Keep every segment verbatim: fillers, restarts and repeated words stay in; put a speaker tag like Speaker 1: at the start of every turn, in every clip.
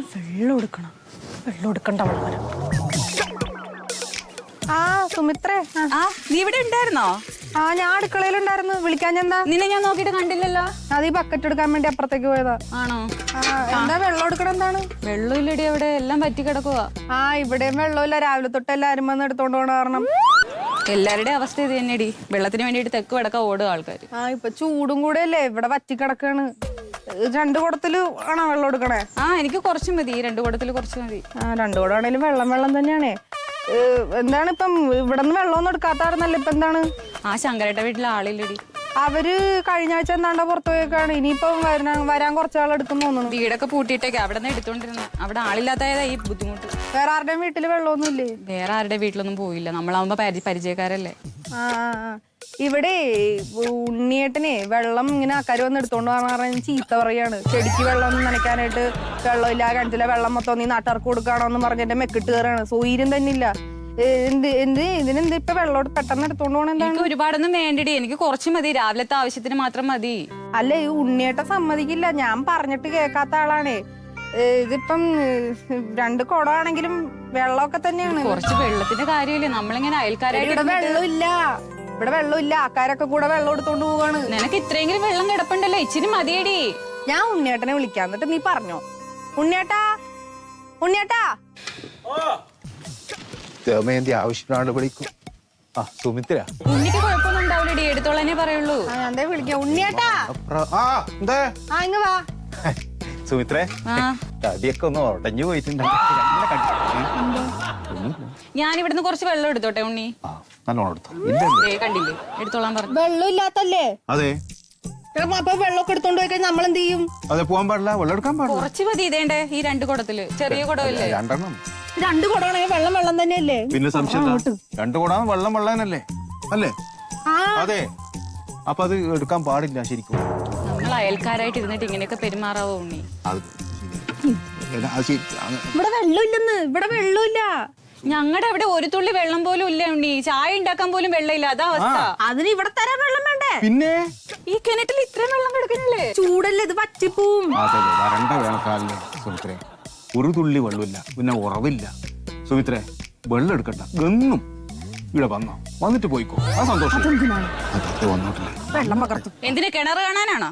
Speaker 1: വെള്ളം എടുക്കണം. വെള്ളം എടുക്കണ്ട വളരെ. ആ സുമിത്രേ,
Speaker 2: ആ നീ ഇവിടെ ഉണ്ടായിരുന്നോ?
Speaker 1: ആ ഞാൻ അടുക്കളയിലുണ്ടായിരുന്നു. വിളിക്കാൻ എന്താ?
Speaker 2: നിന്നെ ഞാൻ നോക്കിയിട്ട് കണ്ടില്ലല്ലോ.
Speaker 1: അത് ഈ ബക്കറ്റ് എടുക്കാൻ വേണ്ടി അപ്പുറത്തേക്ക് പോയതാ.
Speaker 2: ആണോ?
Speaker 1: എന്താ വെള്ളം എടുക്കണം? എന്താണ്?
Speaker 2: വെള്ളം ഇല്ലടി, അവിടെ എല്ലാം പറ്റി കിടക്കുക.
Speaker 1: ആ ഇവിടെയും വെള്ളമില്ല. രാവിലെ തൊട്ട് എല്ലാരും വന്ന് എടുത്തോണ്ട് പോണ കാരണം
Speaker 2: എല്ലാവരുടെയും അവസ്ഥ ഇത് തന്നെയടി. വെള്ളത്തിന് വേണ്ടിട്ട് തെക്ക് വടക്ക ഓടുക ആൾക്കാർ.
Speaker 1: ആ ഇപ്പൊ ചൂടും കൂടെ അല്ലേ, ഇവിടെ വറ്റി കിടക്കാണ്. രണ്ടു കുടത്തില് ആണോ വെള്ളം എടുക്കണേ?
Speaker 2: ആ എനിക്ക് കുറച്ച് മതി, രണ്ടു കുടത്തില് കുറച്ച് മതി.
Speaker 1: ആ രണ്ടു കുടം ആണെങ്കിലും വെള്ളം വെള്ളം തന്നെയാണേ. എന്താണ് ഇപ്പം ഇവിടെ നിന്ന് വെള്ളമൊന്നും എടുക്കാത്തായിരുന്നല്ലോ. ഇപ്പൊ എന്താണ്?
Speaker 2: ആ ശങ്കരേട്ട വീട്ടിലെ ആളില്ലടി.
Speaker 1: അവര് കഴിഞ്ഞ ആഴ്ച എന്താണ്ട പുറത്തു പോയേക്കാണ്. ഇനിയിപ്പം വരാൻ വരാൻ കുറച്ചാൾ എടുക്കും തോന്നുന്നു.
Speaker 2: വീടൊക്കെ പൂട്ടിയിട്ടേക്ക് അവിടെ നിന്ന് എടുത്തോണ്ടിരുന്നു. അവിടെ ആളില്ലാത്തതാ ഈ ബുദ്ധിമുട്ട്.
Speaker 1: വേറെ ആരുടെയും വീട്ടില് വെള്ളമൊന്നും ഇല്ലേ?
Speaker 2: വേറെ ആരുടെ വീട്ടിലൊന്നും പോയില്ല. നമ്മളാവുമ്പോ പരി പരിചയക്കാരല്ലേ.
Speaker 1: ആ ആ ഇവിടെ ഉണ്ണിയേട്ടനെ വെള്ളം ഇങ്ങനെ ആക്കാര് വന്ന് എടുത്തോണ്ട് പറഞ്ഞ ചീത്ത പറയാണ്. ചെടിക്ക് വെള്ളം ഒന്നും നനയ്ക്കാനായിട്ട് വെള്ളമില്ല, കിണറ്റിലെ വെള്ളം മൊത്തം നീ നാട്ടുകാർക്ക് കൊടുക്കാണോ എന്ന് പറഞ്ഞ എന്റെ മെക്കിട്ട് കയറാണ്. സൗകര്യം തന്നെ ഇല്ല. എന്ത് എന്ത് ഇതിനെന്ത് ഇപ്പൊ വെള്ളം പെട്ടെന്ന് എടുത്തോണ്ട് പോകണം? എന്താണ്?
Speaker 2: എനിക്ക് ഒരുപാടൊന്നും വേണ്ടടി, എനിക്ക് കുറച്ച് മതി. രാവിലത്തെ ആവശ്യത്തിന് മാത്രം മതി.
Speaker 1: അല്ല ഈ ഉണ്ണിയേട്ടൻ സമ്മതിക്കില്ല. ഞാൻ പറഞ്ഞിട്ട് കേൾക്കാത്ത ആളാണേ. ഇതിപ്പം രണ്ട് കുടമാണെങ്കിലും വെള്ളമൊക്കെ തന്നെയാണ്.
Speaker 2: കുറച്ച് വെള്ളത്തിന്റെ കാര്യമില്ലേ, നമ്മളിങ്ങനെ അയൽക്കാരായിട്ട്.
Speaker 1: ഇവിടെ വെള്ളമില്ല, ഇവിടെ വെള്ളമില്ല. ആൾക്കാരൊക്കെ കൂടെ വെള്ളം എടുത്തോണ്ട് പോവാണ്.
Speaker 2: നിനക്ക് ഇത്രയെങ്കിലും വെള്ളം കിടപ്പുണ്ടല്ലോ, ഇച്ചിരി മതിയടി.
Speaker 1: ഞാൻ ഉണ്ണിയേട്ടനെ വിളിക്കാം, എന്നിട്ട് നീ പറഞ്ഞോ. ഉണ്ണിയേട്ടാ, ഉണ്ണിയേട്ടാ.
Speaker 3: ദമയന്തി ആവശ്യത്തിനാണ് വിളിക്കും. ആ സുമിത്ര,
Speaker 2: ഉണ്ണിക്ക് കുഴപ്പമൊന്നും ഉണ്ടാവില്ലടി, എടുത്തോളനെ പറയുള്ളൂ.
Speaker 1: എന്താ വിളിക്കാം? ഉണ്ണിയേട്ടാ.
Speaker 3: ആ എന്താ?
Speaker 1: ആ ഇങ്ങ് വാ.
Speaker 3: സുമിത്രേ, തടിയൊക്കെ ഒന്ന് ഉടഞ്ഞു പോയിട്ടുണ്ട്.
Speaker 2: ഞാൻ ഇവിടുന്ന് കുറച്ച് വെള്ളം എടുത്തോട്ടെ ഉണ്ണി?
Speaker 3: നല്ലോണം എടുത്തോ.
Speaker 2: കണ്ടില്ലേ, എടുത്തോളാൻ പറഞ്ഞു.
Speaker 1: വെള്ളം ഇല്ലാത്തല്ലേ?
Speaker 3: അതെ.
Speaker 1: അപ്പൊ വെള്ളമൊക്കെ എടുത്തോണ്ട് പോയി കഴിഞ്ഞാൽ നമ്മൾ എന്ത് ചെയ്യും?
Speaker 3: അതെ, പോകാൻ പാടില്ല, വെള്ളം എടുക്കാൻ പാടില്ല.
Speaker 2: കുറച്ച് മതി. ഇതേണ്ടേ ഈ രണ്ട് കുടത്തില്, ചെറിയ കുടമല്ലേ?
Speaker 3: രണ്ടെണ്ണം.
Speaker 1: രണ്ട് കുടമാണെങ്കിൽ വെള്ളം വെള്ളം തന്നെയല്ലേ?
Speaker 3: പിന്നെ സംശയം രണ്ടു കൂടാൻ വെള്ളം വെള്ളാനല്ലേ അല്ലേ? അതെ. അപ്പൊ അത് എടുക്കാൻ പാടില്ല ശരിക്കും.
Speaker 2: നമ്മൾ അയൽക്കാരായിട്ട് ഇരുന്നിട്ട് ഇങ്ങനെയൊക്കെ പെരുമാറാവോ ഉണ്ണി?
Speaker 1: ഇവിടെ വെള്ളമില്ലെന്ന്. ഇവിടെ വെള്ളമില്ല.
Speaker 2: ഞങ്ങളുടെ അവിടെ ഒരു തുള്ളി വെള്ളം പോലും ഇല്ല ഉണ്ണി. ചായ ഉണ്ടാക്കാൻ പോലും വെള്ളമില്ല. അതാ അവസ്ഥ.
Speaker 1: അതിന് ഇവിടെ തരാൻ വെള്ളം വേണ്ടേ?
Speaker 3: പിന്നെ
Speaker 2: ഈ കിണറ്റിൽ ഇത്രയും വെള്ളം കിടക്കുന്നില്ലേ?
Speaker 1: ചൂടല്ലേ, ഇത് വറ്റിപ്പോവും.
Speaker 3: വരണ്ട വേനൽക്കാലില് സുമിത്രേ ഒരു തുള്ളി വെള്ളമില്ല, പിന്നെ ഉറവില്ല. സുമിത്രേ വെള്ളം എടുക്കണ്ട, എന്നും ഇവിടെ വന്നോ, വന്നിട്ട് പോയിക്കോ. ആ സന്തോഷം വന്നോട്ടില്ല.
Speaker 1: വെള്ളം പകർത്തും.
Speaker 2: എന്തിനാ, കിണർ കാണാനാണോ?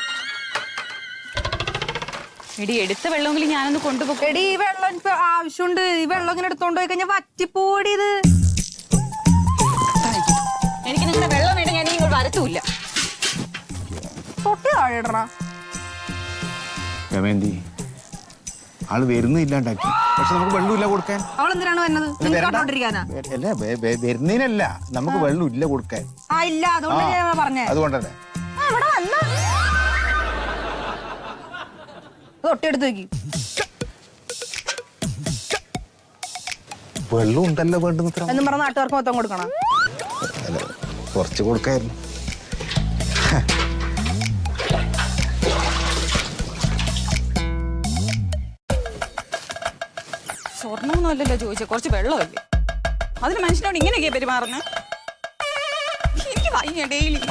Speaker 2: എടി എടുത്ത വെള്ളമെങ്കിലും ഞാനൊന്ന് കൊണ്ടുപോകും.
Speaker 1: എടി ഈ വെള്ളം എനിക്ക് ആവശ്യമുണ്ട്. ഈ വെള്ളം ഇങ്ങനെ എടുത്തോണ്ട് പോയി കഴിഞ്ഞാൽ വറ്റിപ്പോടി. ഇത്
Speaker 2: എനിക്ക് നിങ്ങളുടെ വെള്ളം വേണ്ട, ഞാൻ ഇങ്ങോട്ട് വരത്തൂല്ല.
Speaker 1: തൊട്ടി താഴെ ഇടണ.
Speaker 3: രമേന്തി ആള് വരുന്നില്ലാണ്ടാക്കി, പക്ഷെ നമുക്ക് വെള്ളമില്ല കൊടുക്കാൻ.
Speaker 1: അവൾ എന്തിനാണ് വരുന്നത്?
Speaker 3: അല്ല വരുന്നതിനല്ല, നമുക്ക് വെള്ളം ഇല്ല കൊടുക്കാൻ.
Speaker 1: ആ ഇല്ല, അതുകൊണ്ട് പറഞ്ഞേ.
Speaker 3: അതുകൊണ്ടല്ലേ
Speaker 1: തൊട്ടിയെടുത്ത് വെക്കി.
Speaker 3: വെള്ളം ഉണ്ടല്ലോ വേണ്ടുന്ന
Speaker 1: എന്നും പറഞ്ഞ നാട്ടുകാർക്ക് മൊത്തം കൊടുക്കണം.
Speaker 3: കുറച്ച് കൊടുക്കായിരുന്നു.
Speaker 2: സ്വർണ്ണമൊന്നും അല്ലല്ലോ ചോദിച്ചേ, കുറച്ച് വെള്ളമല്ലേ? അതിന് മനുഷ്യനോട് ഇങ്ങനെയൊക്കെയാ പെരുമാറുന്നത്? എനിക്ക് വയ്യ ഡെയിലി.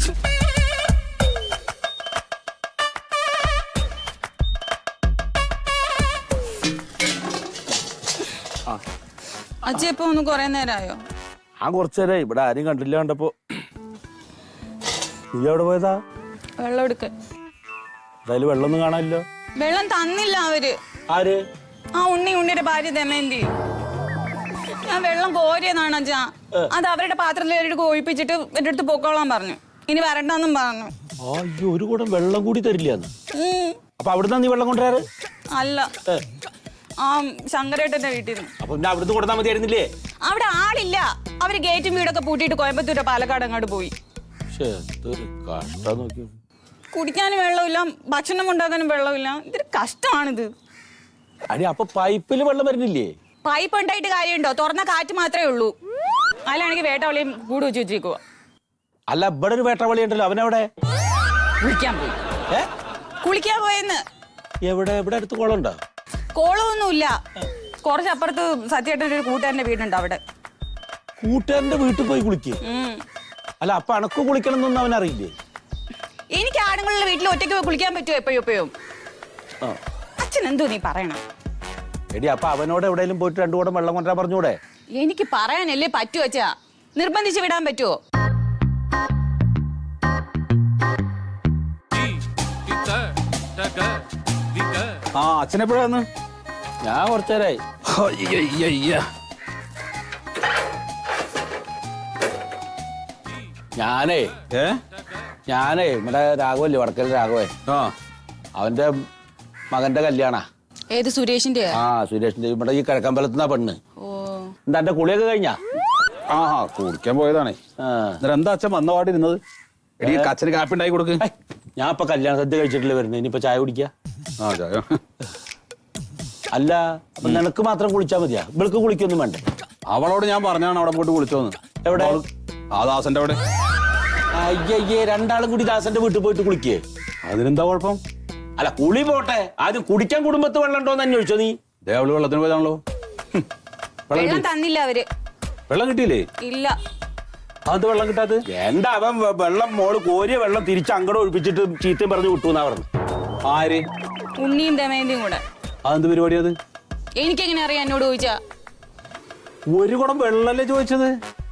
Speaker 2: അച്ഛ ഇപ്പൊ ഒന്ന് കൊറേ നേരമായോ?
Speaker 4: ആ കുറച്ചു നേരം. ഇവിടെ ആരും കണ്ടില്ല. കണ്ടപ്പോ നീ എവിടെ പോയതാ?
Speaker 2: വെള്ളം എടുക്കാൻ.
Speaker 4: എന്തായാലും വെള്ളമൊന്നും കാണാനില്ലോ.
Speaker 2: വെള്ളം തന്നില്ല അവര്.
Speaker 4: ആര്?
Speaker 2: ആ ഉണ്ണി, ഉണ്ണിയുടെ ഭാര്യ ദമയന്തി. ഞാൻ വെള്ളം കോരിയെന്നാണ് അച്ഛാ. അത് അവരുടെ പാത്രത്തിൽ ഒഴിപ്പിച്ചിട്ട് എന്റെ അടുത്ത് പൊക്കോളാൻ പറഞ്ഞു. ഇനി വരണ്ടെന്നും പറഞ്ഞു.
Speaker 4: അയ്യോ, ഒരു കൂടം വെള്ളം കൂടി തരില്ലാന്ന്. അപ്പൊ അവിടുന്ന് നീ വെള്ളം കൊണ്ടുവരാറ്?
Speaker 2: അല്ല, ആ ശങ്കരേട്ടന്റെ വീട്ടിൽ നിന്ന്.
Speaker 4: അപ്പൊ പിന്നെ അവിടുന്ന് കൊടുത്താൽ മതിയായിരുന്നില്ലേ?
Speaker 2: അവിടെ ആളില്ല. അവര് ഗേറ്റും വീടൊക്കെ പൂട്ടിയിട്ട് കോയമ്പത്തൂരോ പാലക്കാട് അങ്ങോട്ട് പോയി. കുടിക്കാനും വെള്ളമില്ല, ഭക്ഷണം ഉണ്ടാക്കാനും വെള്ളമില്ല. ഇതൊരു കഷ്ടമാണിത്.
Speaker 4: അടി അപ്പൊ പൈപ്പില് വെള്ളം വരുന്നില്ലേ?
Speaker 2: പൈപ്പ് ഉണ്ടായിട്ട് കാര്യമുണ്ടോ? തുറന്ന കാറ്റ് മാത്രമേ ഉള്ളൂ. അതിലാണെങ്കിൽ വേട്ടവളിയും കൂട് വെച്ച് വെച്ചേക്കുക.
Speaker 4: അല്ല, ഇവിടെ ഒരു വേട്ടവളി ഉണ്ടല്ലോ, അവനെവിടെ?
Speaker 2: കുളിക്കാൻ പോയി.
Speaker 4: ഏ
Speaker 2: കുളിക്കാൻ പോയെന്ന്.
Speaker 4: എവിടെ? ഇവിടെ അടുത്ത് കുളമുണ്ടോ?
Speaker 2: കോളമൊന്നുമില്ല. കുറച്ചപ്പുറത്ത് സത്യേട്ടൻ്റെ ഒരു കൂട്ടുകാരന്റെ വീടുണ്ട്, അവിടെ.
Speaker 4: കൂട്ടുകാരന്റെ വീട്ടിൽ പോയി കുളിക്കുക? അല്ല, അപ്പൊ അണക്ക് കുളിക്കണം എന്നൊന്നും അവനറിയില്ലേ?
Speaker 2: എനിക്ക് ആണുങ്ങളുടെ വീട്ടിൽ ഒറ്റയ്ക്ക് പോയി കുളിക്കാൻ പറ്റുമോ എപ്പോഴും എപ്പോഴും? അച്ഛൻ എന്തോ നീ പറയണം?
Speaker 4: എടി അപ്പൊ അവനോട് എവിടെയെങ്കിലും പോയിട്ട് രണ്ടു കൂടെ വെള്ളം കൊണ്ടുവരാൻ പറഞ്ഞൂടെ?
Speaker 2: എനിക്ക് പറയാനല്ലേ പറ്റൂ അച്ഛാ. നിർബന്ധിച്ച് വിടാൻ പറ്റുമോ?
Speaker 3: ആ അച്ഛനെപ്പോഴാന്ന്?
Speaker 4: ഞാൻ കുറച്ചേരായി. ഞാനേ
Speaker 3: ഏ
Speaker 4: ഞാനേ നമ്മുടെ രാഘവല്ലേ, വടക്കൽ രാഘവേ,
Speaker 3: ആ
Speaker 4: അവന്റെ മകന്റെ കല്യാണ.
Speaker 2: ഏത് സുരേഷിന്റെ?
Speaker 4: ആ സുരേഷിന്റെ, ഇവിടെ ഈ കിഴക്കമ്പലത്തുനിന്നാ പെണ്ണ്.
Speaker 2: ഓ,
Speaker 4: എന്താ എന്റെ കുളിയൊക്കെ കഴിഞ്ഞാ?
Speaker 3: ആ ആ കുടിക്കാൻ പോയതാണേ.
Speaker 4: ആ.
Speaker 3: എന്നിട്ട് എന്താ അച്ഛൻ വന്ന പാടിരുന്നത്? എടീ അച്ഛന് കാപ്പി ഉണ്ടാക്കി കൊടുക്ക്.
Speaker 4: ഏയ്, ഞാൻ ഇപ്പൊ കല്യാണ സദ്യ കഴിച്ചിട്ടില്ല വരുന്നത്, ഇനിയിപ്പോ ചായ കുടിക്ക.
Speaker 3: ആ ചായ.
Speaker 4: അല്ല അപ്പൊ നിനക്ക് മാത്രം കുളിച്ചാ മതിയാ? ഇവൾക്ക് കുളിക്കൊന്നും വേണ്ടേ?
Speaker 3: അവളോട് ഞാൻ പറഞ്ഞാണ് അവിടെ പോയിട്ട് കുളിച്ചോന്ന്.
Speaker 4: എവിടെ?
Speaker 3: ആ ദാസന്റെ അവിടെ.
Speaker 4: അയ്യയ്യേ, രണ്ടാളും കൂടി ദാസന്റെ വീട്ടിൽ പോയിട്ട് കുളിക്കേ?
Speaker 3: അതിനെന്താ കുഴപ്പം?
Speaker 4: അല്ല കുളി പോട്ടെ, ആദ്യം കുടിക്കാൻ കുടുംബത്ത് വെള്ളം ഉണ്ടോന്ന് അന്വേഷിച്ചോ നീ?
Speaker 3: ദേ അവള് വെള്ളത്തിന് പോയതാണല്ലോ.
Speaker 2: വെള്ളം തന്നില്ല അവര്.
Speaker 3: വെള്ളം കിട്ടിയില്ലേ?
Speaker 2: ഇല്ല.
Speaker 3: അത് വെള്ളം കിട്ടാത്ത
Speaker 4: എന്താ അവൻ വെ- വെള്ളം മോള് കോരിയ വെള്ളം തിരിച്ച് അങ്ങോട്ട് ഒഴിപ്പിച്ചിട്ട് ചീത്തയും പറഞ്ഞു വിട്ടു എന്നാ പറഞ്ഞു.
Speaker 3: ആര്?
Speaker 2: ഉണ്ണിയും ദമയന്തിയും കൂടെ.
Speaker 3: അതെന്ത് പരിപാടി അത്?
Speaker 2: എനിക്കെങ്ങനെ അറിയാം എന്നോട് ചോദിച്ചാ?
Speaker 3: ഒരു കുടം വെള്ളല്ലേ ചോദിച്ചത്?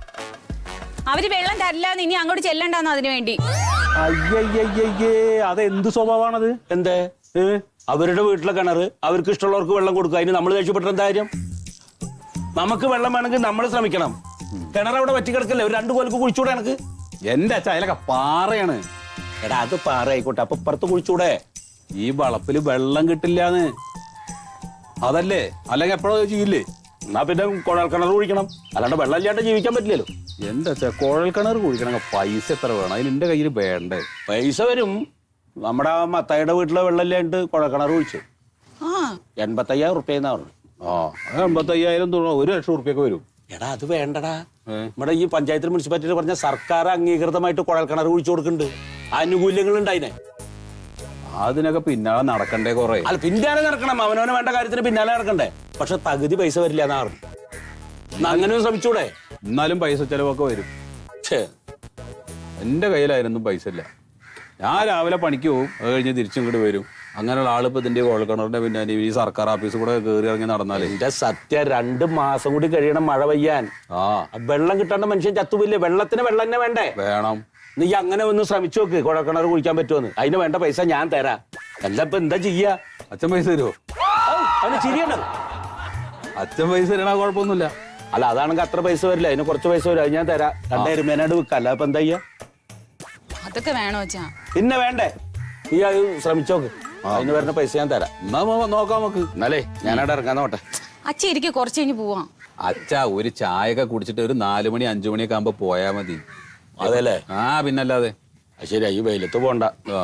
Speaker 2: അവര് വെള്ളം തരില്ലാന്ന് ഇനി അങ്ങോട്ട് ചെല്ലണ്ടെന്ന് അതിനു വേണ്ടി.
Speaker 3: അയ്യയ്യയ്യേ, അതെന്ത് സ്വഭാവമാണത്?
Speaker 4: എന്തേ?
Speaker 3: ഏ?
Speaker 4: അവരുടെ വീട്ടിലെ കിണറ്, അവർക്ക് ഇഷ്ടമുള്ളവർക്ക് വെള്ളം കൊടുക്കുക. അതിന് നമ്മൾ ദേഷ്യപ്പെട്ട എന്താ കാര്യം? നമുക്ക് വെള്ളം വേണമെങ്കിൽ നമ്മൾ ശ്രമിക്കണം. കിണർ അവിടെ വറ്റി കിടക്കല്ലേ, ഒരു രണ്ടു കോലക്ക് കുഴിച്ചൂടെ എനക്ക്?
Speaker 3: എന്റെ അച്ഛ അതിലൊക്കെ പാറയാണ്.
Speaker 4: എടാ അത് പാറ ആയിക്കോട്ടെ, അപ്പൊ ഇപ്പുറത്ത് കുഴിച്ചൂടെ?
Speaker 3: ഈ വളപ്പില് വെള്ളം കിട്ടില്ലാന്ന്. അതല്ലേ, അല്ലെങ്കിൽ എപ്പോഴോ ചെയ്യില്ലേ?
Speaker 4: എന്നാ പിന്നെ കുഴൽ കിണർ കുഴിക്കണം, അല്ലാണ്ട് വെള്ളം ഇല്ലാണ്ട് ജീവിക്കാൻ പറ്റില്ലല്ലോ.
Speaker 3: എന്റെ അച്ഛ കുഴൽ കിണർ കുഴിക്കണമെങ്കിൽ പൈസ എത്ര വേണം? അതിന് എന്റെ കയ്യിൽ വേണ്ടേ?
Speaker 4: പൈസ വരും. നമ്മുടെ ആ മത്തായിയുടെ വീട്ടിലെ വെള്ളം ഇല്ലാണ്ട് കുഴൽ കിണർ കുഴിച്ചു
Speaker 2: ആ,
Speaker 4: എൺപത്തയ്യായിരം റുപ്യ എന്നാ പറഞ്ഞു.
Speaker 3: ആ എൺപത്തയ്യായിരം തുക ഒരു ലക്ഷം റുപ്യൊക്കെ വരും.
Speaker 4: എടാ അത് വേണ്ടടാ.
Speaker 3: ഏ?
Speaker 4: നമ്മുടെ ഈ പഞ്ചായത്തിൽ മുനിസിപ്പാലിറ്റിയിൽ പറഞ്ഞ സർക്കാർ അംഗീകൃതമായിട്ട് കുഴൽ കിണർ കുഴിച്ചു കൊടുക്കുന്നുണ്ട്. ആനുകൂല്യങ്ങൾ ഉണ്ട് അതിനെ.
Speaker 3: അതിനൊക്കെ പിന്നാലെ നടക്കണ്ടേ കൊറേ?
Speaker 4: അല്ല പിന്നാലെ നടക്കണം, അവനവന് വേണ്ട കാര്യത്തിന് പിന്നാലെ നടക്കണ്ടേ. പക്ഷെ പകുതി പൈസ വരില്ല എന്നാ പറഞ്ഞു. എന്നാ അങ്ങനെ ശ്രമിച്ചൂടെ?
Speaker 3: എന്നാലും പൈസ ചെലവൊക്കെ വരും.
Speaker 4: ഛേ,
Speaker 3: എന്റെ കയ്യിലായിരുന്നു പൈസ ഇല്ല. ഞാൻ രാവിലെ പണിക്ക് പോകും, അത് കഴിഞ്ഞ് തിരിച്ചും ഇങ്ങോട്ട് വരും. അങ്ങനെയുള്ള ആളിപ്പോ ഇതിന്റെ കുഴൽക്കിണറിന്റെ പിന്നെ ഈ സർക്കാർ ഓഫീസ് കൂടെ കയറി ഇറങ്ങി നടന്നാലേ.
Speaker 4: എന്റെ സത്യ രണ്ട് മാസം കൂടി കഴിയണം മഴ പെയ്യാൻ.
Speaker 3: ആ
Speaker 4: വെള്ളം കിട്ടാണ്ട് മനുഷ്യൻ ചത്തുപോയില്ലേ? വെള്ളത്തിന് വെള്ളം തന്നെ വേണ്ടേ?
Speaker 3: വേണം.
Speaker 4: നീ അങ്ങനെ ഒന്ന് ശ്രമിച്ചു നോക്ക്, കുഴൽക്കിണർ കുഴിക്കാൻ പറ്റുമെന്ന്. അതിന് വേണ്ട പൈസ ഞാൻ തരാം. അല്ല ഇപ്പൊ എന്താ ചെയ്യാ?
Speaker 3: അച്ഛൻ പൈസ തരുമോ?
Speaker 4: അവന് ചിരിയാണ്.
Speaker 3: അച്ഛൻ പൈസ തരണ കുഴപ്പമൊന്നുമില്ല.
Speaker 4: അല്ല അതാണെങ്കിൽ അത്ര പൈസ വരില്ല, അതിന് കുറച്ച് പൈസ വരും. അത് ഞാൻ തരാം. രണ്ടായിരം മേനാട് വിൽക്കാം. അല്ല ഇപ്പൊ എന്താ ചെയ്യാ?
Speaker 2: അതൊക്കെ വേണോ അച്ഛാ?
Speaker 4: പിന്നെ വേണ്ടേ? നീ അത് ശ്രമിച്ചോക്ക്, അതിന് വരുന്ന പൈസ ഞാൻ തരാം.
Speaker 3: എന്നാ മോ- നോക്കാം നമുക്ക്.
Speaker 4: എന്നാലേ ഞാനവിടെ ഇറങ്ങാൻ നോട്ടെ.
Speaker 2: അച്ഛ ഇരിക്കെ കുറച്ച് കഴിഞ്ഞ് പോവാം.
Speaker 3: അച്ഛ ഒരു ചായയൊക്കെ കുടിച്ചിട്ട് ഒരു നാലു മണി അഞ്ചു മണിയൊക്കെ ആകുമ്പോ പോയാ മതി.
Speaker 4: അതെല്ലേ?
Speaker 3: ആ പിന്നല്ലാതെ.
Speaker 4: അത് ശരിയാ, ഈ വെയിലത്ത് പോണ്ട.
Speaker 3: ആ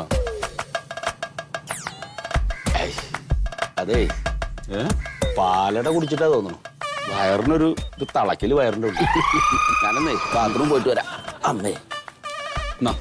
Speaker 4: ഏയ്, അതേ
Speaker 3: ഏ?
Speaker 4: പാലട കുടിച്ചിട്ടാ തോന്നുന്നു വയറിനൊരു ഒരു തളക്കില് വയറിന്റെ ഉണ്ട്. ഞാനെന്നേ ബാത്റൂം പോയിട്ട് വരാം. അമ്മേ
Speaker 3: എന്നാ.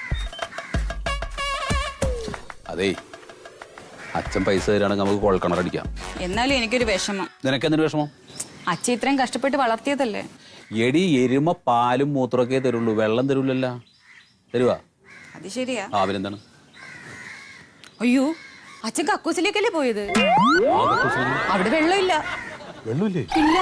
Speaker 3: അതേ അച്ഛൻ പൈസ തരാണെങ്കിൽ നമുക്ക് കുഴൽക്കിണറടിക്കാം.
Speaker 2: എന്നാലും എനിക്കൊരു വിഷമം.
Speaker 3: നിനക്ക് എന്തൊരു വിഷമം?
Speaker 2: അച്ഛ ഇത്രയും കഷ്ടപ്പെട്ട് വളർത്തിയതല്ലേ.
Speaker 3: എടി എരുമ പാലും മൂത്രമൊക്കെ തരുള്ളൂ, വെള്ളം തരൂലല്ലോ. തരുവാ?
Speaker 2: അത് ശരിയാ.
Speaker 3: ആ അവനെന്താണ്?
Speaker 2: അയ്യോ, അച്ഛൻ കക്കൂസിലേക്കല്ലേ പോയത്? അവിടെ വെള്ളമില്ല.
Speaker 3: വെള്ളമില്ലേ?
Speaker 2: ഇല്ല.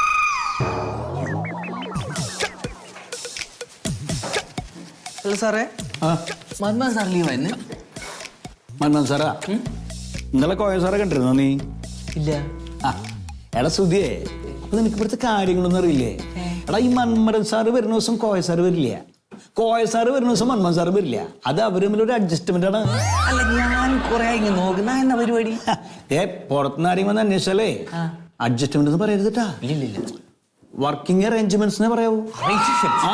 Speaker 5: ഹലോ സാറേ, മന്മോഹൻ സാർ ലീവായിരുന്നു?
Speaker 6: മന്മോഹൻ സാറാ, ഇന്നലെ കോയ സാറെ കണ്ടിരുന്നോ നീ?
Speaker 5: ഇല്ല.
Speaker 6: ആ എടാ സുധിയേ, അപ്പൊ നിനക്ക് ഇവിടുത്തെ കാര്യങ്ങളൊന്നും അറിയില്ലേ? എടാ ഈ മന്മരൻ സാറ് വരുന്ന ദിവസം കോയ സാറ് വരില്ല, കോയ സാറ് വരുന്ന ദിവസം മന്മോഹൻ സാറ് വരില്ല. അത് അവർ തമ്മിൽ ഒരു അഡ്ജസ്റ്റ്മെന്റ് ആണ്.
Speaker 5: അല്ല, ഞാൻ കുറെ ഇങ്ങനെ നോക്കുന്ന എന്നാ പരിപാടി?
Speaker 6: ഏ പുറത്തുനിന്ന് ആരെയും വന്ന് അന്വേഷിച്ചാലേ അഡ്ജസ്റ്റ്മെന്റ് എന്ന് പറയരുത് കേട്ടാ.
Speaker 5: ഇല്ലില്ല,
Speaker 6: വർക്കിംഗ് അറേഞ്ച്മെന്റ്സ് പറയാവൂ. ആ.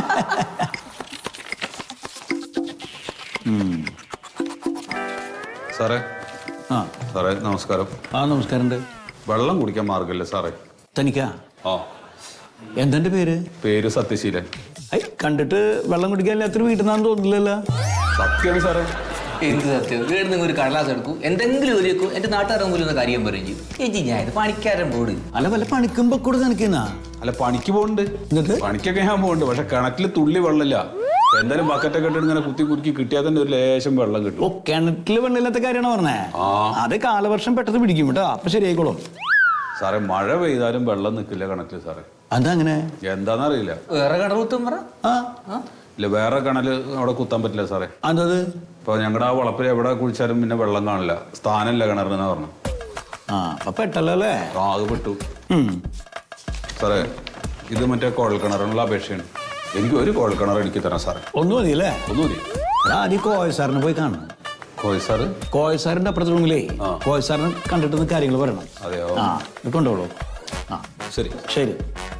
Speaker 3: സാറേ.
Speaker 6: ആ
Speaker 3: സാറേ നമസ്കാരം.
Speaker 6: ആ നമസ്കാരമുണ്ട്.
Speaker 3: വെള്ളം കുടിക്കാൻ മാർഗല്ലേ സാറേ?
Speaker 6: തനിക്കാ?
Speaker 3: ആ.
Speaker 6: എന്തെന്റെ പേര്?
Speaker 3: പേര് സത്യശീലൻ.
Speaker 6: ഐ കണ്ടിട്ട് വെള്ളം കുടിക്കാൻ എല്ലാത്തിനും വീട്ടിൽ നിന്നാന്ന് തോന്നില്ലല്ലോ.
Speaker 3: സത്യമാണ് സാറേ.
Speaker 5: എന്ത് സത്യം? വീട് നിങ്ങൾ ഒരു കടലാസ് എടുക്കും, എന്തെങ്കിലും ഒരു വെക്കും, എന്റെ നാട്ടുകാരൻ പോലും ഒന്ന് കാര്യം പറയും ചെയ്യും. ചേച്ചി ഞാൻ ഇത് പണിക്കാരൻ പോട്.
Speaker 6: അല്ല വല്ല പണിക്കുമ്പോ കൂടെ നിനക്കെന്നാ?
Speaker 3: അല്ല പണിക്ക് പോകുന്നുണ്ട്,
Speaker 6: എന്നിട്ട്
Speaker 3: പണിക്കൊക്കെ ഞാൻ പോകുന്നുണ്ട്. പക്ഷെ കിണറ്റില് തുള്ളി വെള്ളമില്ല.
Speaker 7: എന്തായാലും ബക്കറ്റൊക്കെ ഇട്ട് ഇങ്ങനെ കുത്തി കുറുക്കി കിട്ടിയാൽ തന്നെ ഒരു ലേശം വെള്ളം കിട്ടും.
Speaker 6: ഓ കിണറ്റില് വെള്ളമില്ലാത്ത കാര്യമാണ് പറഞ്ഞേ.
Speaker 7: ആ.
Speaker 6: അത് കാലവർഷം പെട്ടെന്ന് പിടിക്കും കേട്ടോ, അപ്പൊ ശരിയായിക്കോളും.
Speaker 7: സാറേ മഴ പെയ്താലും വെള്ളം നിൽക്കില്ല കിണറ്റില് സാറേ.
Speaker 6: അതെന്താ അങ്ങനെ?
Speaker 7: എന്താന്നറിയില്ല.
Speaker 5: വേറെ കിണർ കുത്തും പറ.
Speaker 6: ആ
Speaker 7: ഇല്ല വേറെ കിണല് അവിടെ കുത്താൻ പറ്റില്ല സാറേ.
Speaker 6: അതത്
Speaker 7: ഇപ്പൊ ഞങ്ങളുടെ ആ വളപ്പിൽ എവിടെ കുഴിച്ചാലും പിന്നെ വെള്ളം കാണില്ല, സ്ഥാനമില്ല കിണറിനെന്നാ പറഞ്ഞു.
Speaker 6: ആ അപ്പൊ പെട്ടല്ലോ അല്ലേ?
Speaker 7: ആ അത് പെട്ടു
Speaker 6: ഉം.
Speaker 7: സാറേ. ഇത് മറ്റേ കുഴൽ കിണറിനുള്ള അപേക്ഷയാണ്. എനിക്ക് ഒരു കുഴൽ കിണർ എനിക്ക് തരാം സാറേ.
Speaker 6: ഒന്നും മതിയല്ലേ?
Speaker 7: ഒന്നും മതി.
Speaker 6: ആദ്യം കോയ സാറിനെ പോയി കാണണം.
Speaker 7: കോയ് സാറ്?
Speaker 6: കോയ സാറിന്റെ അപ്പുറത്തെ റൂമിലേ
Speaker 7: ആ.
Speaker 6: കോയ സാറിനെ കണ്ടിട്ട് കാര്യങ്ങൾ പറയണം.
Speaker 7: അതെയോ?
Speaker 6: ആ ഇത് കൊണ്ടുപോളൂ. ആ
Speaker 7: ശരി.
Speaker 6: ശരി.